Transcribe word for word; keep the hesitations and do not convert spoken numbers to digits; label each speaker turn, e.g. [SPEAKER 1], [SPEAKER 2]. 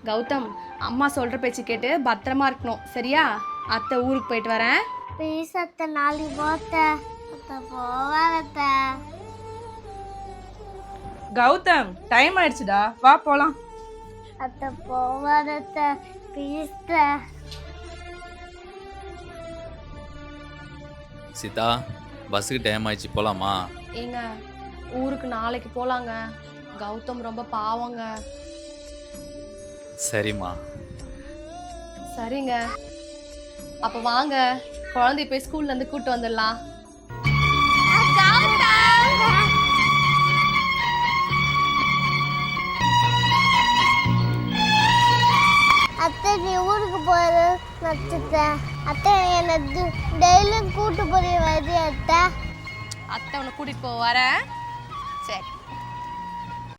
[SPEAKER 1] கௌதம், அம்மா சொல்கிற பேச்சு கேட்டு பத்திரமா இருக்கணும், சரியா? அத்தை ஊருக்கு போயிட்டு வரேன்.
[SPEAKER 2] ப்ளீஸ் அத்தை, நாளைக்கு போத்த அத்தை போவாத.
[SPEAKER 3] கௌதம், டைம் ஆயிடுச்சுடா, வா போலாம்.
[SPEAKER 2] அத்தை போவாத ப்ளீஸ்.
[SPEAKER 4] சீதா, பஸ்ஸுக்கு டைம் ஆயிடுச்சு, போலாமா?
[SPEAKER 1] ஏங்க, ஊருக்கு நாளைக்கு போகலாங்க. கௌதம் ரொம்ப பாவங்க.
[SPEAKER 4] சரிம்மா.
[SPEAKER 1] சரிங்க, அப்போ வாங்க, குழந்தை போய் ஸ்கூல்ல இருந்து கூட்டு வந்துடலாம்.
[SPEAKER 2] அத்தை, நீ ஊருக்கு போற நச்சுட்டேன். அத்தை, என்னை டெய்லியும் கூட்டு போய் வருது அத்தை.
[SPEAKER 1] அத்தை உன்னை கூட்டிட்டு போக வரேன். சரி.